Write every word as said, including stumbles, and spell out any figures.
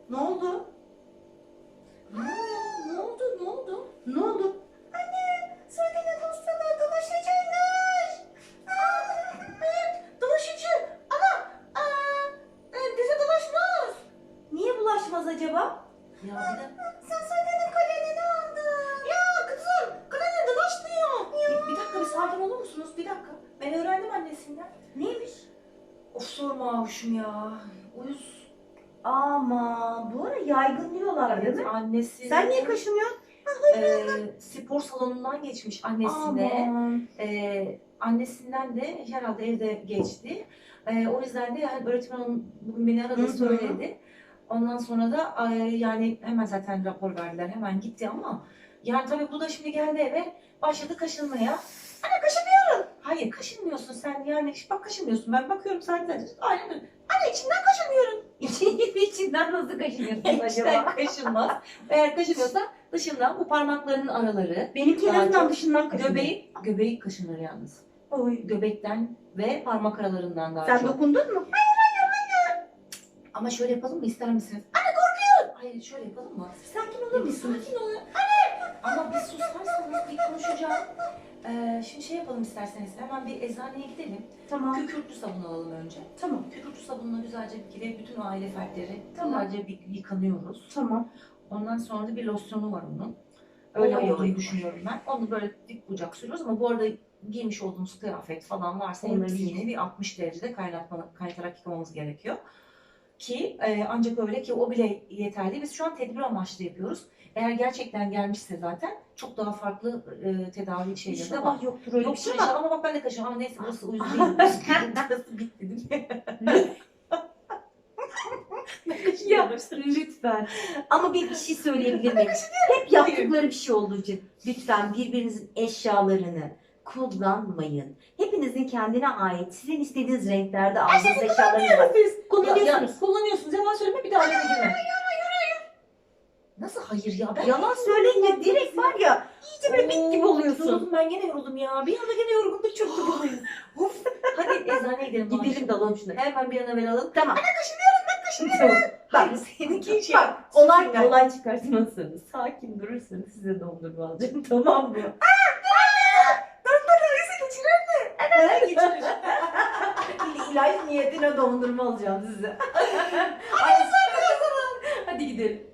Ne oldu? Ha, ne oldu? Ne oldu? Ne oldu? Anne, Sude'nin hastalığı dolaşıcıymış. Aa, evet, dolaşıcı. Ama aa, e, bize dolaşmaz. Niye bulaşmaz acaba? Ya bir de sen Sude'nin kalemini aldın. Ya kızım, kalemi dolaşmıyor. Bir, bir dakika bir sakin olur musunuz? Bir dakika. Ben öğrendim annesinden. Neymiş? Of sorma Avuşum ya. Uyuz. Ama bu ara yaygın diyorlar değil mi? Annesi. Sen niye kaşınıyorsun? e, spor salonundan geçmiş annesine. Aman. Ee, annesinden de herhalde evde geçti. Ee, o yüzden de yani öğretmen hanım bugün beni aradı Hı hı. söyledi. Ondan sonra da ay, yani hemen zaten rapor verdiler. Hemen gitti ama yani tabii bu da şimdi geldi eve başladı kaşınmaya. Anne kaşınıyorum. Hayır kaşınmıyorsun sen yani bak kaşınmıyorsun. Ben bakıyorum zaten. Aynen öyle. Anne içinden kaşınıyorum. İçinden nasıl kaşınıyorsun İçten acaba? kaşınmaz. Eğer kaşınıyorsa dışından bu parmaklarının araları. Benimki en Daha azından çok dışından kaşınıyor. Göbeği, göbeği kaşınır yalnız. Oy. Göbekten ve parmak aralarından daha Sen çok. dokundun mu? Ama şöyle yapalım mı ister misiniz? Anne korkuyorum. Hayır şöyle yapalım mı? Sakin olur musunuz? Sakin olun. Anne! Ama bir susarsanız bir konuşacağım. Ee, şimdi şey yapalım isterseniz hemen bir eczaneye gidelim. Tamam. Kükürtlü sabun alalım önce. Tamam. Kükürtlü sabunla güzelce bir kere bütün aile fertleri Tamam. güzelce bir yıkanıyoruz. Tamam. Ondan sonra da bir losyonu var onun. Öyle Oy, olduğunu oy, oy. düşünüyorum ben. Onu böyle dik bucak sürüyoruz ama bu arada giymiş olduğumuz kıyafet falan varsa Onları hepsini giy. yine bir altmış derecede kaynatma, kaynatarak yıkamamız gerekiyor. Ki e, ancak öyle ki o bile yeterli. Biz şu an tedbir amaçlı yapıyoruz. Eğer gerçekten gelmişse zaten çok daha farklı e, tedavi şeyleri de var. İnşallah yoktur öyle bir Yoktur şey inşallah ama. ama bak ben de kaşıyorum. Ama neyse burası uyuz değil. Burası bitti değil mi? Ya lütfen. Ama bir, bir şey söyleyebilir miyim? Hep yaptıkları bir şey olduğu için lütfen birbirinizin eşyalarını kullanmayın. Hepinizin kendine ait, sizin istediğiniz renklerde aldığınız eşyalarınız var. Siz ya, Kullanıyorsunuz. ya, kullanıyorsunuz. Yalan söyleme bir daha eve girme. Nasıl hayır ya? Ben Yalan söyleyince direkt var ya iyice böyle bit gibi oluyorsun. Yoruldum ben gene yoruldum ya. Bir anda gene yorgunluk çöktü bana. Of. Hadi eczaneye gidelim. Gidelim dalalım şuna. Hemen bir an evvel alalım. Tamam. Kaşınıyorum. Bak, Hayır seninki şey. bak olay Süper. olay çıkartmazsanız, sakin durursanız size dondurma alacağım, tamam mı? Hemen geçirir. İlahi niyetine dondurma alacağım size. Hadi gidelim.